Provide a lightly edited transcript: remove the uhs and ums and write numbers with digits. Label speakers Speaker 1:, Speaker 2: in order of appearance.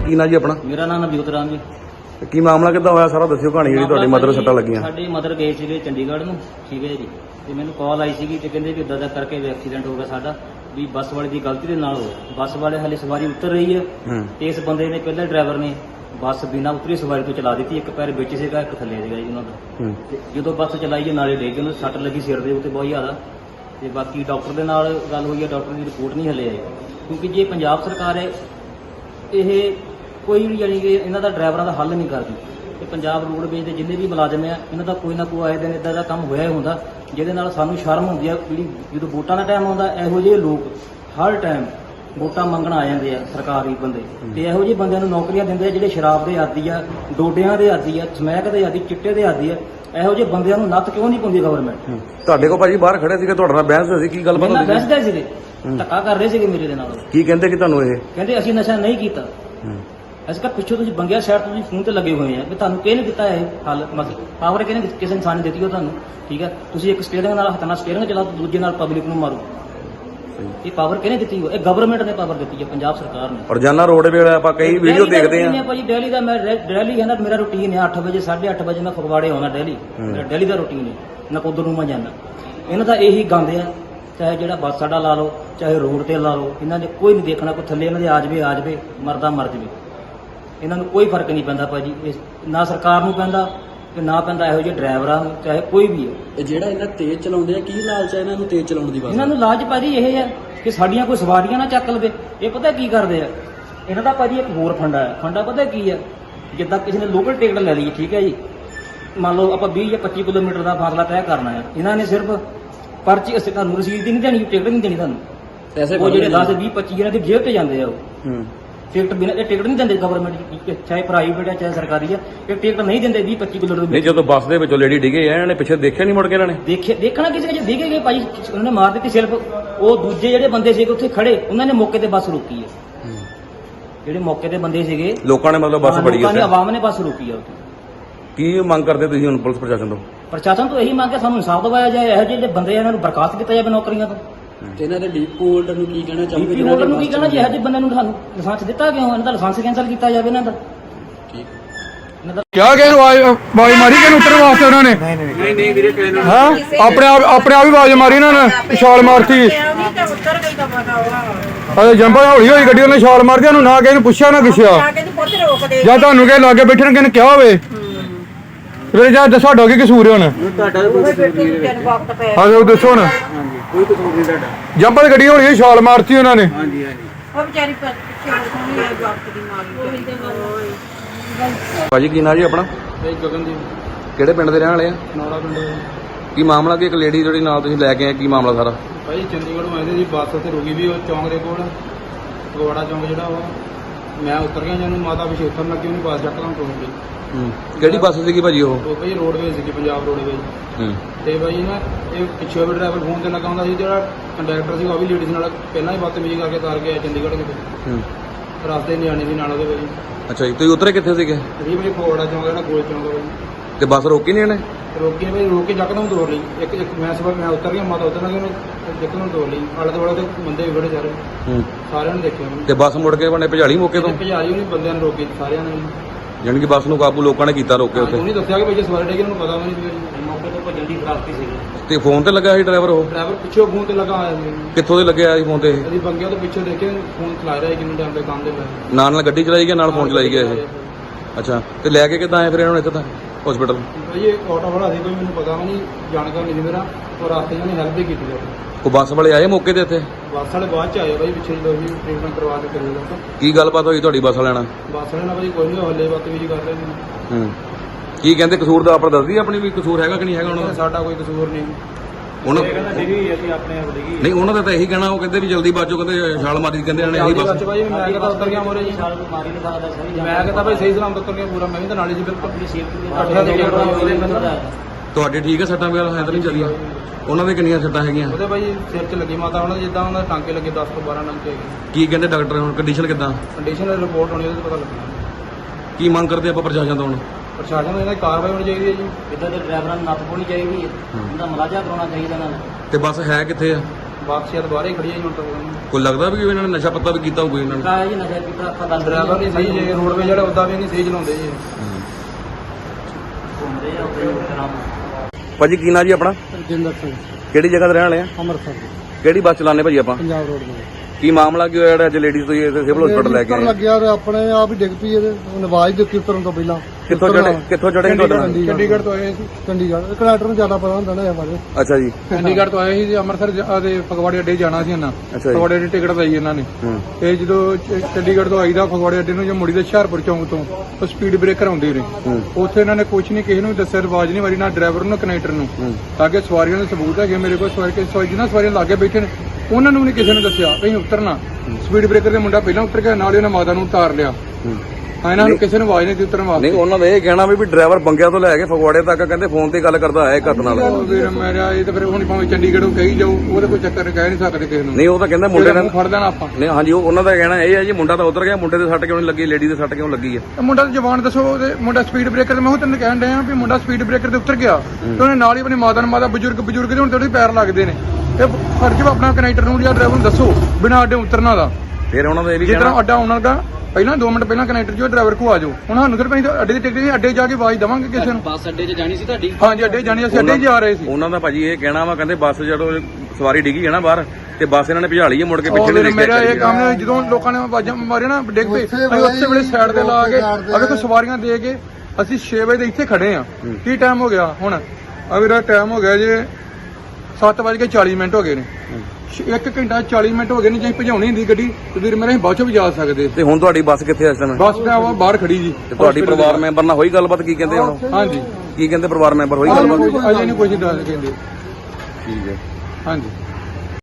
Speaker 1: ਕੀ ਨਾਂ ਜੀ ਆਪਣਾ?
Speaker 2: ਮੇਰਾ ਨਾਮ ਨਵਜੋਤ ਰਾਮ ਜੀ।
Speaker 1: ਕੀ ਮਾਮਲਾ ਕਿੱਦਾਂ ਹੋਇਆ ਸਾਰਾ ਦੱਸਿਓ ਕਹਾਣੀ ਜਿਹੜੀ ਤੁਹਾਡੀ ਮਦਰ ਸੱਟਾਂ ਲੱਗੀਆਂ।
Speaker 2: ਸਾਡੀ ਮਦਰ ਗਏ ਸੀਗੇ ਚੰਡੀਗੜ੍ਹ ਨੂੰ, ਠੀਕ ਹੈ ਜੀ, ਤੇ ਮੈਨੂੰ ਕਾਲ ਆਈ ਸੀਗੀ ਤੇ ਕਹਿੰਦੇ ਵੀ ਇੱਦਾਂ ਦਾ ਕਰਕੇ ਵੀ ਐਕਸੀਡੈਂਟ ਹੋ ਗਿਆ ਸਾਡਾ, ਵੀ ਬੱਸ ਵਾਲੇ ਦੀ ਗਲਤੀ ਦੇ ਨਾਲ ਹੋਇਆ। ਬੱਸ ਵਾਲੇ ਹਾਲੇ ਸਵਾਰੀ ਉਤਰ ਰਹੀ ਹੈ ਤੇ ਇਸ ਬੰਦੇ ਨੇ, ਪਹਿਲੇ ਡਰਾਈਵਰ ਨੇ ਬੱਸ ਬਿਨਾਂ ਉਤਰੀ ਸਵਾਰੀ ਤੋਂ ਚਲਾ ਦਿੱਤੀ। ਇੱਕ ਪੈਰ ਵਿੱਚ ਸੀਗਾ, ਇੱਕ ਥੱਲੇ ਸੀਗਾ ਜੀ ਉਹਨਾਂ ਦਾ। ਤੇ ਜਦੋਂ ਬੱਸ ਚਲਾਈ ਨਾਲੇ ਡੇਗ ਉਹਨੂੰ ਸੱਟ ਲੱਗੀ ਸਿਰ ਦੇ ਉੱਤੇ ਬਹੁਤ ਜ਼ਿਆਦਾ। ਤੇ ਬਾਕੀ ਡਾਕਟਰ ਦੇ ਨਾਲ ਗੱਲ ਹੋਈ ਹੈ, ਡਾਕਟਰ ਦੀ ਰਿਪੋਰਟ ਨਹੀਂ ਹਲੇ ਆਈ, ਕਿਉਂਕਿ ਜੇ ਪੰਜਾਬ ਸਰਕਾਰ ਹੈ ਇਹ ਕੋਈ ਵੀ ਯਾਨੀ ਕਿ ਇਹਨਾਂ ਦਾ ਡਰਾਈਵਰਾਂ ਦਾ ਹੱਲ ਨਹੀਂ ਕਰਦੀ। ਤੇ ਪੰਜਾਬ ਰੋਡਵੇਜ਼ ਦੇ ਜਿੰਨੇ ਵੀ ਮੁਲਾਜ਼ਮ ਆ ਇਹਨਾਂ ਦਾ ਕੋਈ ਨਾ ਕੋਈ ਆਏ ਦਿਨ ਇੱਦਾਂ ਦਾ ਕੰਮ ਹੋਇਆ ਹੀ ਹੁੰਦਾ, ਜਿਹਦੇ ਨਾਲ ਸਾਨੂੰ ਸ਼ਰਮ ਹੁੰਦੀ ਆ। ਜਿਹੜੀ ਜਦੋਂ ਵੋਟਾਂ ਦਾ ਟਾਈਮ ਆਉਂਦਾ ਇਹੋ ਜਿਹੇ ਲੋਕ ਹਰ ਟਾਈਮ ਵੋਟਾਂ ਮੰਗਣ ਆ ਜਾਂਦੇ ਆ, ਸਰਕਾਰੀ ਬੰਦੇ, ਤੇ ਇਹੋ ਜਿਹੇ ਬੰਦਿਆਂ ਨੂੰ ਨੌਕਰੀਆਂ ਦਿੰਦੇ ਆ ਜਿਹੜੇ ਸ਼ਰਾਬ ਦੇ ਆਦੀ ਆ, ਡੋਡਿਆਂ ਦੇ ਆਦੀ ਆ, ਸਮੈਕ ਦੇ ਆਦੀ, ਚਿੱਟੇ ਦੇ ਆਦੀ ਆ। ਇਹੋ ਜਿਹੇ ਬੰਦਿਆਂ ਨੂੰ ਨੱਥ ਕਿਉਂ ਨਹੀਂ ਪਾਉਂਦੀ ਗਵਰਨਮੈਂਟ?
Speaker 1: ਤੁਹਾਡੇ ਕੋਲ ਭਾਜੀ ਬਾਹਰ ਖੜੇ ਸੀਗੇ, ਤੁਹਾਡੇ ਨਾਲ ਬਹਿਸ ਹੋਈ ਸੀ, ਕੀ ਗੱਲ
Speaker 2: ਮੈਨੂੰ ਬਹਿਸਦੇ ਸੀਗੇ, ਧੱਕਾ ਕਰ ਰਹੇ ਸੀਗੇ ਮੇਰੇ ਦੇ ਨਾਲ।
Speaker 1: ਕੀ ਕਹਿੰਦੇ ਕਿ ਤੁਹਾਨੂੰ ਇਹ
Speaker 2: ਕਹਿੰਦੇ ਅਸੀਂ ਨਸ਼ਾ ਨਹੀਂ ਕੀਤਾ। ਅਸੀਂ ਕਿਹਾ ਪਿੱਛੋਂ ਤੁਸੀਂ ਬੰਗਿਆ ਸ਼ਹਿਰ ਤੁਸੀਂ ਫੋਨ ਤੇ ਲੱਗੇ ਹੋਏ ਆ ਵੀ ਤੁਹਾਨੂੰ ਕਿਹਨੇ ਦਿੱਤਾ ਇਹ ਹੱਲ? ਪਾਵਰ ਕਿਹਨੇ ਕਿਸੇ ਇਨਸਾਨ ਨੇ ਦਿੱਤੀ ਉਹ ਤੁਹਾਨੂੰ? ਠੀਕ ਹੈ, ਤੁਸੀਂ ਇੱਕ ਸਟੀਅਰਿੰਗ ਨਾਲ ਹੱਥ ਨਾਲ ਸਟੀਅਰਿੰਗ ਚਲਾਓ, ਦੂਜੇ ਨਾਲ ਪਬਲਿਕ ਨੂੰ ਮਾਰੋ। ਇਹ ਪਾਵਰ ਕਿਹਨੇ ਦਿੱਤੀ? ਇਹ ਗਵਰਨਮੈਂਟ ਨੇ ਪਾਵਰ ਦਿੱਤੀ ਹੈ, ਪੰਜਾਬ ਸਰਕਾਰ ਨੇ।
Speaker 1: ਰੋਜ਼ਾਨਾ ਰੋਡਵੇਜ਼ ਆਪਾਂ ਕਈ ਵੀਡੀਓ ਦੇਖਦੇ ਆ
Speaker 2: ਭਾਜੀ। ਡੇਲੀ ਦਾ ਮੈਂ ਡੇਲੀ ਹੈ ਨਾ, ਮੇਰਾ ਰੂਟੀਨ ਹੈ 8 ਵਜੇ 8:30 ਵਜੇ ਮੈਂ ਫਗਵਾੜੇ ਆਉਣਾ ਡੇਲੀ। ਮੇਰਾ ਡੇਲੀ ਦਾ ਰੂਟੀਨ ਹੈ, ਨਕੋਦਰ ਨੂੰ ਮੈਂ ਜਾਂਦਾ। ਇਹਨਾਂ ਦਾ ਇਹੀ ਗੰਦ ਆ, ਚਾਹੇ ਜਿਹੜਾ ਬੱਸ ਅੱਡਾ ਲਾ ਲਓ, ਚਾਹੇ ਰੋਡ ਤੇ ਲਾ ਲਓ, ਇਹਨਾਂ ਨੇ ਕੋਈ ਨਹੀਂ ਦੇਖਣਾ। ਕੋਈ ਥੱਲੇ ਇਹਨਾਂ ਦੇ ਆ ਜਾਵੇ, ਮਰਦਾ ਮਰ ਜਾਵੇ, ਇਹਨਾਂ ਨੂੰ ਕੋਈ ਫਰਕ ਨਹੀਂ ਪੈਂਦਾ ਭਾਜੀ। ਨਾ ਸਰਕਾਰ ਨੂੰ ਪੈਂਦਾ ਤੇ ਨਾ ਪੈਂਦਾ ਇਹੋ ਜਿਹੇ ਡਰਾਈਵਰਾਂ ਨੂੰ, ਚਾਹੇ ਕੋਈ ਵੀ ਹੈ।
Speaker 3: ਜਿਹੜਾ ਇਹਨਾਂ ਤੇਜ਼ ਚਲਾਉਂਦੇ ਆ, ਕੀ ਲਾਲਚ ਹੈ ਇਹਨਾਂ ਨੂੰ ਤੇਜ਼ ਚਲਾਉਣ ਦੀ?
Speaker 2: ਇਹਨਾਂ ਨੂੰ ਲਾਲਚ ਭਾਜੀ ਇਹ ਹੈ ਕਿ ਸਾਡੀਆਂ ਕੋਈ ਸਵਾਰੀਆਂ ਨਾ ਚੱਕ ਲਵੇ। ਇਹ ਪਤਾ ਕੀ ਕਰਦੇ ਆ ਇਹਨਾਂ ਦਾ ਭਾਜੀ? ਇੱਕ ਹੋਰ ਫੰਡਾ ਹੈ। ਫੰਡਾ ਪਤਾ ਕੀ ਹੈ? ਜਿੱਦਾਂ ਕਿਸੇ ਨੇ ਲੋਕਲ ਟਿਕਟ ਲੈ ਲਈ, ਠੀਕ ਹੈ ਜੀ, ਮੰਨ ਲਓ ਆਪਾਂ 20 ਜਾਂ 25 ਕਿਲੋਮੀਟਰ ਦਾ ਫਾਸਲਾ ਤੈਅ ਕਰਨਾ ਹੈ, ਇਹਨਾਂ ਨੇ ਸਿਰਫ ਪਰਚੀ ਅਸੀਂ ਤੁਹਾਨੂੰ ਰਸੀਦ ਦੀ ਨਹੀਂ ਦੇਣੀ, ਟਿਕਟ ਨਹੀਂ ਦੇਣੀ ਤੁਹਾਨੂੰ। ਉਹ ਜਿਹੜੇ 10 20 25 ਇਹਨਾਂ ਦੀ ਜੇਬ ਤੇ ਜਾਂਦੇ ਆ, ਉਹ ਟਿਕਟ ਬਿਨਾਂ ਇਹ ਟਿਕਟ ਨਹੀਂ ਦਿੰਦੇ ਗਵਰਨਮੈਂਟ, ਚਾਹੇ ਪ੍ਰਾਈਵੇਟ ਹੈ ਚਾਹੇ ਸਰਕਾਰੀ ਹੈ, ਇਹ ਟਿਕਟ ਨਹੀਂ ਦਿੰਦੇ 20 25 ਕਿਲੋਮੀਟਰ।
Speaker 1: ਨਹੀਂ, ਜਦੋਂ ਬੱਸ ਦੇ ਵਿੱਚੋਂ ਲੇਡੀ ਡਿੱਗੇ ਇਹਨਾਂ ਨੇ ਪਿੱਛੇ ਦੇਖਿਆ ਨਹੀਂ ਮੁੜ ਕੇ? ਇਹਨਾਂ ਨੇ
Speaker 2: ਦੇਖਣਾ ਕਿਸੇ ਚ ਡਿੱਗੇ ਗਏ ਭਾਜੀ, ਉਹਨਾਂ ਨੇ ਮਾਰ ਦਿੱਤੀ। ਸਿਰਫ ਉਹ ਦੂਜੇ ਜਿਹੜੇ ਬੰਦੇ ਸੀਗੇ ਉੱਥੇ ਖੜੇ, ਉਹਨਾਂ ਨੇ ਮੌਕੇ ਤੇ ਬੱਸ ਰੋਕੀ ਹੈ। ਜਿਹੜੇ ਮੌਕੇ ਤੇ ਬੰਦੇ ਸੀਗੇ,
Speaker 1: ਲੋਕਾਂ ਨੇ ਮਤਲਬ ਬੱਸ ਫੜੀ ਹੈ,
Speaker 2: ਆਵਾਮ ਨੇ ਬੱਸ ਰੋਕੀ ਹੈ।
Speaker 1: ਕੀ ਮੰਗ ਕਰਦੇ ਤੁਸੀਂ ਹੁਣ ਪੁਲਿਸ ਪ੍ਰਸ਼ਾਸਨ ਤੋਂ?
Speaker 2: ਪ੍ਰਸ਼ਾਸਨ ਤੋਂ ਇਹੀ ਮੰਗ ਹੈ ਸਾਨੂੰ ਇਨਸਾਫ ਦਿਵਾਇਆ ਜਾਏ, ਇਹੋ ਜਿਹੇ ਬੰਦੇ ਇਹਨਾਂ ਨੂੰ ਬਰਖਾਸਤ ਕੀਤਾ ਜਾਵੇ ਨੌਕਰੀਆਂ ਤੋਂ।
Speaker 3: ਤੇ ਇਹਨਾਂ ਦੇ ਡੀਪੂ ਹੋਲਡਰ ਨੂੰ ਕੀ ਕਹਿਣਾ ਚਾਹੋਗੇ?
Speaker 2: ਡੀਪੂ ਹੋਲਡਰ ਨੂੰ ਕੀ ਕਹਿਣਾ ਜੀ? ਇਹੋ ਜਿਹੇ ਬੰਦਿਆਂ ਨੂੰ ਸਾਨੂੰ ਲਾਇਸੈਂਸ ਦਿੱਤਾ ਕਿਉਂ? ਇਹਨਾਂ ਦਾ ਲਾਇਸੈਂਸ ਕੈਂਸਲ ਕੀਤਾ ਜਾਵੇ ਇਹਨਾਂ ਦਾ।
Speaker 4: ਕਿਆ ਕਹਿ ਆਵਾਜ਼ ਮਾਰੀ ਕਿ ਉਤਰਨ ਵਾਸਤੇ ਉਹਨਾਂ ਨੇ? ਨਹੀਂ ਵੀਰੇ, ਹਾਂ ਆਪਣੇ ਆਪ ਹੀ ਆਵਾਜ਼ ਮਾਰੀ ਇਹਨਾਂ ਨੇ, ਛਾਲ ਮਾਰਤੀ। ਅਰੇ ਜੰਪਾ ਹੌਲੀ ਹੋਈ ਗੱਡੀ, ਉਹਨੇ ਛਾਲ ਮਾਰਦੀ, ਉਹਨੂੰ ਨਾ ਕਿਸੇ ਨੂੰ ਪੁੱਛਿਆ ਨਾ ਕਿਸਿਆ। ਜਾਂ ਤੁਹਾਨੂੰ ਕਿ ਲਾਗੇ ਬੈਠੇ ਨੇ ਕਿਸੇ ਨੇ ਕਿਹਾ ਹੋਵੇ? ਫਿਰ ਜਾਂ ਦੱਸੋ ਸਾਡਾ ਕੀ ਕਸੂਰ ਹੈ ਹੁਣ? ਹਾਂ ਉਹ ਦੱਸੋ ਹੁਣ।
Speaker 3: ਕੋਈ ਕਸੂਰ ਨਹੀਂ ਤੁਹਾਡਾ।
Speaker 4: ਜੰਪਾ ਦੀ ਗੱਡੀ ਹੌਲੀ ਛਾਲ ਮਾਰਤੀ ਉਹਨਾਂ ਨੇ।
Speaker 3: ਹਾਂਜੀ ਹਾਂਜੀ।
Speaker 5: ਉਹ ਵਿਚਾਰੀ ਵਕਤ ਦੀ ਮਾਰੀ।
Speaker 1: ਭਾਜੀ ਕੀ ਨਾਂ ਜੀ ਆਪਣਾ?
Speaker 3: ਗਗਨਦੀਪ।
Speaker 1: ਕਿਹੜੇ ਪਿੰਡ ਦੇ ਰਹਿਣ ਵਾਲੇ ਆ?
Speaker 3: ਨੌੜਾ ਪਿੰਡ।
Speaker 1: ਕੀ ਮਾਮਲਾ? ਕਿ ਇੱਕ ਲੇਡੀ ਜਿਹੜੀ ਨਾਲ ਤੁਸੀਂ ਲੈ ਕੇ ਆਏ, ਕੀ ਮਾਮਲਾ ਸਾਰਾ?
Speaker 3: ਭਾਈ ਚੰਡੀਗੜ੍ਹੋਂ ਆਏ ਸੀ ਜੀ, ਬੱਸ ਉੱਥੇ ਰੁਕੀ ਵੀ ਉਹ ਚੌਂਕ ਦੇ ਕੋਲ, ਫਗਵਾੜਾ ਚੌਂਕ ਜਿਹੜਾ ਉਹ। ਮੈਂ ਉਤਰ ਗਿਆ, ਜਦੋਂ ਮਾਤਾ ਪਿੱਛੇ ਉਤਰਨ ਲੱਗੀ, ਉਹਨੂੰ ਬੱਸ ਚੱਕਰਾਂ ਤੋਂ ਗਈ।
Speaker 1: ਕਿਹੜੀ ਬੱਸ ਸੀਗੀ ਭਾਜੀ ਉਹ?
Speaker 3: ਉਹ ਭਾਈ ਰੋਡਵੇਜ਼ ਸੀਗੀ, ਪੰਜਾਬ ਰੋਡਵੇਜ਼। ਤੇ ਭਾਈ ਨਾ ਇਹ ਪਿੱਛੇ ਵੀ ਡਰਾਈਵਰ ਫੋਨ ਤੇ ਲੱਗਾ ਹੁੰਦਾ ਸੀ, ਜਿਹੜਾ ਕੰਡਕਟਰ ਸੀ ਉਹ ਵੀ ਲੇਡੀਜ਼ ਨਾਲ ਪਹਿਲਾਂ ਹੀ ਬਦਤਮੀਜ਼ੀ ਕਰਕੇ ਤਾਰ ਕੇ ਆਇਆ ਚੰਡੀਗੜ੍ਹ ਕਿਤੇ। ਰਸਤੇ ਨਿਆਣੇ ਸੀ ਨਾਲ ਉਹਦੇ ਭਾਈ।
Speaker 1: ਅੱਛਾ ਜੀ, ਤੁਸੀਂ ਉਤਰੇ ਕਿੱਥੇ ਸੀਗੇ?
Speaker 3: ਇਹ ਭਾਈ ਫਗਵਾੜਾ ਚੌਂਕ ਜਿਹੜਾ ਗੋਲ ਚੌਂਕ ਹੈ ਭਾਈ।
Speaker 1: ਤੇ ਬੱਸ ਰੋਕੀ ਨਹੀਂ ਇਹਨੇ?
Speaker 3: ਰੋਕੀ ਭਾਈ, ਰੋਕ ਕੇ ਜੱਕਦਮ ਤੋੜ ਲਈ। ਇੱਕ ਮੈਂ ਉਤਰ ਗਿਆ, ਮਾਤਾ ਉਤਰ ਲੱਗੀ, ਉਹਨੂੰ ਜੱਕਦਮ ਤੋੜ ਲਈ। ਆਲੇ ਦੁਆਲੇ ਤੇ ਬੰਦੇ ਵੀ ਬੜੇ ਸਾਰੇ, ਸਾਰਿਆਂ ਨੇ ਦੇਖਿਆ ਉਹਨੂੰ।
Speaker 1: ਤੇ ਬੱਸ ਮੁੜ ਕੇ ਬਣੇ ਭਜਾਲੀ ਮੌਕੇ ਤੋਂ?
Speaker 3: ਭਜਾਲੀ ਉਹਨੇ ਬੰਦਿਆਂ ਨੇ ਰੋਕੀ, ਸਾਰਿਆਂ ਨੇ।
Speaker 1: ਜਾਣੀ ਕਿ ਬੱਸ ਨੂੰ ਕਾਬੂ ਲੋਕਾਂ ਨੇ ਕੀਤਾ ਰੋਕੇ ਉੱਥੇ?
Speaker 3: ਉਹਨੇ ਦੱਸਿਆ ਕਿ ਭਾਈ ਸਵਾਰੀ ਡੇਗੀ, ਉਹਨੂੰ ਪਤਾ ਵੀ ਨਹੀਂ।
Speaker 2: ਮੌਕੇ ਤੋਂ ਭੱਜਣ ਦੀ ਫਰਾਸਤੀ ਸੀਗੀ।
Speaker 1: ਤੇ ਫੋਨ ਤੇ ਲੱਗਾ ਸੀ ਡਰਾਈਵਰ? ਉਹ
Speaker 3: ਡਰਾਈਵਰ ਪਿੱਛੋਂ ਫੋਨ ਤੇ ਲੱਗਾ ਆਇਆ ਸੀ।
Speaker 1: ਕਿੱਥੋਂ ਦੇ ਲੱਗਿਆ ਸੀ ਫੋਨ ਤੇ?
Speaker 3: ਇਹਦੀ ਬੰਗਿਆਂ ਤੋਂ ਪਿੱਛੇ ਦੇਖੇ ਫੋਨ ਚਲਾ ਰਿਹਾ ਕਿੰਨੇ ਟਾਈਮ ਦੇ ਕੰਮ ਦੇ ਪਏ।
Speaker 1: ਨਾਲ ਗੱਡੀ ਚਲਾਈ ਗਿਆ, ਨਾਲ ਫੋਨ ਚਲਾਈ ਗਿਆ ਇਹ? ਅੱਛਾ, ਤੇ ਲੈ ਕੇ ਕਿੱਦਾਂ ਆਏ ਫਿਰ ਇਹਨਾਂ ਨੂੰ ਇੱਥੇ ਤਾਂ ਹਸਪੀਟਲ?
Speaker 3: ਭਾਈ ਇਹ ਆਟੋ ਵਾਲਾ ਸੀ, ਕੋਈ ਮੈਨੂੰ ਪਤਾ ਵੀ ਨਹੀਂ, ਜਾਣਕਾਰ ਨਹੀਂ ਮੇਰਾ। ਉਹ ਰਾਸਤੇ ਉਹਨੇ ਹੈਲਪ ਵੀ ਕੀਤੀ ਜਾਵੇ।
Speaker 1: ਉਹ ਬੱਸ ਵਾਲੇ ਆਏ ਮੌਕੇ ਤੇ ਇੱਥੇ?
Speaker 3: ਬੱਸ ਵਾਲੇ ਬਾਅਦ ਚ ਆਏ ਭਾਈ, ਪਿੱਛੇ ਜਦੋਂ ਵੀ ਟ੍ਰੀਟਮੈਂਟ ਕਰਵਾ ਕੇ ਕਰੇ ਲੋਕ।
Speaker 1: ਕੀ ਗੱਲਬਾਤ ਹੋਈ ਤੁਹਾਡੀ ਬੱਸ ਵਾਲਿਆਂ ਨਾਲ?
Speaker 3: ਬੱਸ ਵਾਲੇ ਨਾਲ ਭਾਈ ਕੋਈ ਨਹੀਂ, ਹੱਲੇ ਬਦਤਮੀਜ਼ੀ ਕਰ ਰਹੇ ਨੇ।
Speaker 1: ਕੀ ਕਹਿੰਦੇ? ਕਸੂਰ ਦਾ ਆਪਰ ਦੱਸਦੀ ਆਪਣੀ ਵੀ ਕਸੂਰ ਹੈਗਾ ਕਿ ਨਹੀਂ ਹੈਗਾ ਉਹਨਾਂ ਦਾ?
Speaker 3: ਸਾਡਾ ਕੋਈ ਕਸੂਰ ਨਹੀਂ।
Speaker 1: ਉਹਨਾਂ
Speaker 3: ਡਿੱਗੀ ਅਸੀਂ ਆਪਣੇ ਆਪ ਡਿੱਗੀ।
Speaker 1: ਨਹੀਂ, ਉਹਨਾਂ ਦਾ ਤਾਂ ਇਹੀ ਕਹਿਣਾ, ਉਹ ਕਹਿੰਦੇ ਵੀ ਜਲਦੀ ਬਾਜੋ, ਕਹਿੰਦੇ ਛਾਲ ਮਾਰੀ, ਕਹਿੰਦੇ ਇਹਨੇ ਇਹੀ ਬੱਸ।
Speaker 3: ਭਾਈ ਮੈਂ ਕਹਿੰਦਾ ਉਤਰ ਗਿਆ ਮੋਰੇ ਜੀ,
Speaker 2: ਮਾਰੀ ਨਹੀਂ ਸਕਦਾ ਸਹੀ।
Speaker 3: ਮੈਂ ਕਹਿੰਦਾ ਭਾਈ ਸਹੀ ਸਲਾਮਤ ਉਤਰ ਗਿਆ ਪੂਰਾ, ਮੈਂ ਵੀ ਤਾਂ ਨਾਲ ਹੀ ਸੀ ਬਿਲਕੁਲ।
Speaker 2: ਆਪਣੀ ਸੇਫਟੀ ਦੇ
Speaker 3: ਅੱਠਿਆਂ ਦੇ ਗੇਟ
Speaker 1: ਤੁਹਾਡੇ ਠੀਕ ਹੈ ਸੱਟਾਂ ਵਗੈਰਾ? ਹੈ ਤਾਂ ਨਹੀਂ ਚੱਲੀਆਂ? ਉਹਨਾਂ ਦੇ ਕਿੰਨੀਆਂ ਸੱਟਾਂ ਹੈਗੀਆਂ?
Speaker 3: ਉਹਦੇ ਭਾਈ ਸਿਰ 'ਚ ਲੱਗੀ ਮਾਤਾ, ਉਹਨਾਂ ਦੇ ਜਿੱਦਾਂ ਉਹਨਾਂ ਦੇ ਟਾਂਕੇ ਲੱਗੇ 10 ਤੋਂ 12 ਟਾਂਕੇ ਹੈਗੇ।
Speaker 1: ਕੀ ਕਹਿੰਦੇ ਡਾਕਟਰ? ਹੁਣ ਕੰਡੀਸ਼ਨ ਕਿੱਦਾਂ?
Speaker 3: ਕੰਡੀਸ਼ਨ ਰਿਪੋਰਟ ਹੋਣੀ, ਉਹਦੇ ਪਤਾ ਲੱਗਣਾ।
Speaker 1: ਕੀ ਮੰਗ ਕਰਦੇ ਆਪਾਂ ਪ੍ਰਸ਼ਾਸਨ ਤੋਂ ਹੁਣ?
Speaker 3: ਪ੍ਰਸ਼ਾਸਨ ਨੂੰ ਇਹਨਾਂ ਦੀ ਕਾਰਵਾਈ ਹੋਣੀ ਚਾਹੀਦੀ ਹੈ ਜੀ।
Speaker 2: ਇੱਦਾਂ ਦੇ ਡਰਾਈਵਰਾਂ ਨੂੰ ਨੱਥ ਪਾਉਣੀ ਚਾਹੀਦੀ ਹੈ, ਉਹਦਾ ਮੁਲਾਜ਼ਾ ਕਰਾਉਣਾ ਚਾਹੀਦਾ ਨਾਲ।
Speaker 1: ਤੇ ਬੱਸ ਹੈ ਕਿੱਥੇ ਆ?
Speaker 3: ਵਾਪਸੀਆਂ ਤਾਂ ਬਾਹਰ ਹੀ ਖੜੀਆਂ ਜੀ ਹੁਣ ਤਾਂ
Speaker 1: ਕੋਈ ਲੱਗਦਾ ਵੀ ਇਹਨਾਂ ਨੇ ਨਸ਼ਾ ਪੱਤਾ ਵੀ ਕੀਤਾ ਹੋਊ ਕੋਈ ਇਹਨਾਂ ਨੇ?
Speaker 2: ਕਾ ਜੀ ਨਸ਼ਾ ਕੀਤਾ ਆਪਾਂ ਗੱਲ
Speaker 3: ਡਰਾਈਵਰ ਨਹੀਂ ਸਹੀ ਜੇ ਰੋਡਵੇ ਜਿਹੜਾ ਉੱਦਾਂ ਵੀ ਨਹੀਂ ਸਹੀ ਚਲਾਉਂਦੇ ਜੀ
Speaker 2: ਘੁੰਮਦੇ ਆ ਉੱਥੇ ਜਨਾਬ।
Speaker 1: ਭਾਜੀ ਕੀ ਨਾਂ ਜੀ ਆਪਣਾ?
Speaker 4: ਰਜਿੰਦਰ ਸਿੰਘ
Speaker 1: ਕਿਹੜੀ ਜਗ੍ਹਾ ਤੇ ਰਹਿਣ ਵਾਲੇ ਆ?
Speaker 4: ਅੰਮ੍ਰਿਤਸਰ
Speaker 1: ਕਿਹੜੀ ਬੱਸ ਚਲਾਉਂਦੇ ਭਾਜੀ ਆਪਾਂ?
Speaker 4: ਪੰਜਾਬ ਰੋਡ ਦੇ
Speaker 1: ਕੀ ਮਾਮਲਾ ਕੀ ਹੋਇਆ ਜਿਹੜਾ ਅੱਜ ਲੇਡੀਜ਼ ਤੁਸੀਂ ਇੱਥੇ ਸਿਵਲ ਹਸਪੀਟਲ ਲੈ ਕੇ ਆਏ?
Speaker 4: ਲੱਗਿਆ ਤੇ ਆਪਣੇ ਆਪ ਹੀ ਡਿੱਗ ਪਈ ਇਹਦੇ ਆਵਾਜ਼ ਦਿੱਤੀ ਉਤਰਨ ਤੋਂ ਪਹਿਲਾਂ।
Speaker 1: ਕਿੱਥੋਂ ਚੜੇ ਤੁਹਾਡੇ ਨਾਲ?
Speaker 3: ਚੰਡੀਗੜ੍ਹ ਤੋਂ ਆਏ ਸੀ
Speaker 4: ਚੰਡੀਗੜ੍ਹ ਕੰਡਕਟਰ ਨੂੰ ਜ਼ਿਆਦਾ ਪਤਾ ਹੁੰਦਾ ਨਾ ਇਹ ਬਾਰੇ।
Speaker 1: ਅੱਛਾ ਜੀ।
Speaker 3: ਚੰਡੀਗੜ੍ਹ ਤੋਂ ਆਏ ਸੀ ਜੀ ਅੰਮ੍ਰਿਤਸਰ ਦੇ ਫਗਵਾੜੇ ਅੱਡੇ ਜਾਣਾ ਸੀ ਇਹਨਾਂ।
Speaker 1: ਅੱਛਾ ਜੀ।
Speaker 3: ਫਗਵਾੜੇ ਦੀ ਟਿਕਟ ਲਈ ਇਹਨਾਂ ਨੇ ਤੇ ਜਦੋਂ ਚੰਡੀਗੜ੍ਹ ਤੋਂ ਆਈਦਾ ਫਗਵਾੜੇ ਅੱਡੇ ਨੂੰ ਜੋ ਮੁੜੀ ਦਾ ਹੁਸ਼ਿਆਰਪੁਰ ਚੌਂਕ ਤੋਂ ਉਹ ਸਪੀਡ ਬ੍ਰੇਕਰ ਆਉਂਦੇ ਨੇ ਉੱਥੇ ਇਹਨਾਂ ਨੇ ਕੁਝ ਨਹੀਂ ਕਿਸੇ ਨੂੰ ਦੱਸਿਆ ਰਿਵਾਜ ਨਹੀਂ ਵਾਰੀ ਨਾ ਡਰਾਈਵਰ ਨੂੰ ਕੰਡਕਟਰ ਨੂੰ ਤਾਂ ਕਿ ਸਵਾਰੀਆਂ ਦੇ ਸਬੂਤ ਹੈਗੇ ਮੇਰੇ ਕੋਲ ਜਿਹਨਾਂ ਸਵਾਰੀਆਂ ਲਾਗੇ ਬੈਠੇ ਨੇ ਉਹਨਾਂ ਨੂੰ ਨਹੀਂ ਕਿਸੇ ਨੇ ਦੱਸਿਆ ਅਸੀਂ ਉਤਰਨਾ ਸਪੀਡ ਬ੍ਰੇਕਰ ਦੇ ਮੁੰਡਾ ਪਹਿਲਾਂ ਉਤਰ ਗਿਆ ਨਾਲ ਹੀ ਉਹਨੇ ਮਾਤਾ ਨੂੰ ਉਤਾਰ ਲਿਆ ਇਹਨਾਂ ਨੂੰ ਕਿਸੇ ਨੂੰ ਆਵਾਜ਼ ਨਹੀਂ ਦਿੱਤੀ ਉਤਰਨ ਵਾਸਤੇ।
Speaker 1: ਨਹੀਂ ਉਹਨਾਂ ਦਾ ਇਹ ਕਹਿਣਾ ਵੀ ਡਰਾਈਵਰ ਬੰਗਿਆ ਤੋਂ ਲੈ ਕੇ ਫਗਵਾੜੇ ਤੱਕ ਕਹਿੰਦੇ ਫੋਨ ਤੇ ਗੱਲ ਕਰਦਾ ਹੈ ਘੱਟ ਨਾਲ।
Speaker 3: ਵੀਰ ਮੇਰਾ ਇਹ ਤਾਂ ਫਿਰ ਹੁਣ ਭਾਵੇਂ ਚੰਡੀਗੜ੍ਹੋਂ ਕਹੀ ਜਾਓ ਉਹਦੇ ਕੋਈ ਚੱਕਰ ਕਹਿ ਨਹੀਂ ਸਕਦੇ ਕਿਸੇ ਨੂੰ।
Speaker 1: ਨਹੀਂ ਉਹ ਤਾਂ ਕਹਿੰਦਾ ਮੁੰਡੇ ਨੇ
Speaker 3: ਫੜ ਦੇਣਾ ਆਪਾਂ।
Speaker 1: ਨਹੀਂ ਹਾਂਜੀ ਉਹਨਾਂ ਦਾ ਕਹਿਣਾ ਇਹ ਹੈ ਜੀ ਮੁੰਡਾ ਤਾਂ ਉਤਰ ਗਿਆ ਮੁੰਡੇ ਦੇ ਸੱਟ ਕਿਉਂ ਨਹੀਂ ਲੱਗੀ ਲੇਡੀ ਦੇ ਸੱਟ ਕਿਉਂ ਲੱਗੀ ਹੈ?
Speaker 3: ਮੁੰਡਾ ਦੀ ਜ਼ਬਾਨ ਦੱਸੋ ਉਹਦੇ ਮੁੰਡਾ ਸਪੀਡ ਬ੍ਰੇਕਰ ਤੇ ਮੈਂ ਉਹ ਤੈਨੂੰ ਕਹਿਣ ਡਿਆ ਵੀ ਮੁੰਡਾ ਸਪੀਡ ਬ੍ਰੇਕਰ ਤੇ ਉਤਰ ਗਿਆ ਤੇ ਉਹਨੇ ਨਾਲ ਹੀ ਆਪਣੀ ਮਾਤਾ ਬਜ਼ੁਰਗ ਦੇ ਹੁਣ ਥੋੜੇ ਪੈਰ ਲੱਗਦੇ ਨੇ ਇਹ ਫਰਜ਼ ਵਾ ਆਪਣਾ ਕਨੈਕਟਰ ਨੂੰ ਜਾਂ ਡਰਾਈਵਰ ਨੂੰ ਦੱਸੋ ਬਿਨਾਂ ਅੱਡੇ ਉਤਰਨਾ ਦਾ।
Speaker 1: ਫਿਰ ਉਹਨਾਂ ਦਾ ਇਹ ਵੀ
Speaker 3: ਜਿੱਦਾਂ
Speaker 1: ਕਹਿਣਾ
Speaker 3: ਅੱਡਾ ਆਉਣਾ ਦਾ ਪਹਿਲਾਂ 2 ਮਿੰਟ ਪਹਿਲਾਂ ਕਨੈਕਟਰ ਜੋ ਡਰਾਈਵਰ ਕੋ ਆ ਜਾਓ ਹੁਣ ਸਾਨੂੰ ਫਿਰ ਅਸੀਂ ਅੱਡੇ ਦੀ ਟਿਕਟ ਨਹੀਂ ਅੱਡੇ ਜਾ ਕੇ ਆਵਾਜ਼ ਦੇਵਾਂਗੇ ਕਿਸੇ ਨੂੰ।
Speaker 2: ਬੱਸ ਅੱਡੇ 'ਚ ਜਾਣੀ ਸੀ ਤੁਹਾਡੀ?
Speaker 3: ਹਾਂਜੀ ਅੱਡੇ ਜਾਣੀ ਅਸੀਂ ਅੱਡੇ ਜਾ ਰਹੇ ਸੀ।
Speaker 1: ਉਹਨਾਂ ਦਾ ਭਾਜੀ ਇਹ ਕਹਿਣਾ ਵਾ ਕਹਿੰਦੇ ਬੱਸ ਜਦੋਂ ਸਵਾਰੀ ਡਿੱਗੀ ਹੈ ਨਾ ਬਾਹਰ ਤੇ ਬੱਸ ਇਹਨਾਂ ਨੇ ਭਜਾ ਲਈ ਹੈ ਮੁੜ ਕੇ ਪਿੱਛੇ ਨਹੀਂ ਦੇਖਿਆ।
Speaker 3: ਮੇਰਾ ਇਹ ਕੰਮ ਨੇ ਜਦੋਂ ਲੋਕਾਂ ਨੇ ਆਵਾਜ਼ਾਂ ਮਾਰੀਆਂ ਨਾ ਡਿੱਗ ਪਏ ਅਸੀਂ ਉਸੇ ਵੇਲੇ ਸਾਈਡ ਤੇ ਲਾ ਕੇ ਅਗੇ ਕੋਈ ਸਵਾਰੀਆਂ ਦੇ ਕੇ ਅਸੀਂ 6 ਵਜੇ ਦੇ ਇੱਥੇ ਖੜੇ ਆ। ਕੀ ਟਾਈਮ ਹੋ ਗਿਆ ਹੁਣ ਅਗਰ ਟਾਈਮ ਹੋ ਗਿਆ ਜੇ 7:40 ਹੋ ਗਏ ਨੇ 1 ਘੰਟਾ 40 ਮਿੰਟ ਹੋ ਗਏ ਨੇ ਜੇ ਭਜਾਉਣੀ ਹੁੰਦੀ ਗੱਡੀ ਤੇ ਵੀਰ ਮੇਰੇ ਅਸੀਂ ਬਾਅਦ ਚੋਂ ਵੀ ਜਾ ਸਕਦੇ।
Speaker 1: ਤੇ ਹੁਣ ਤੁਹਾਡੀ ਬੱਸ ਕਿੱਥੇ ਇਸ ਟਾਈਮ?
Speaker 3: ਬੱਸ ਸਟੈਂਡ ਬਾਹਰ ਖੜੀ ਜੀ।
Speaker 1: ਤੇ ਤੁਹਾਡੀ ਪਰਿਵਾਰ ਮੈਂਬਰ ਨਾਲ ਹੋਈ ਗੱਲਬਾਤ ਕੀ ਕਹਿੰਦੇ ਹੁਣ?
Speaker 3: ਹਾਂਜੀ
Speaker 1: ਕੀ ਕਹਿੰਦੇ ਪਰਿਵਾਰ ਮੈਂਬਰ ਹੋਈ ਗੱਲਬਾਤ?
Speaker 3: ਅਜੇ ਨਹੀਂ ਕੁਝ ਦੱਸ ਕਹਿੰਦੇ।
Speaker 1: ਠੀਕ ਹੈ।
Speaker 3: ਹਾਂਜੀ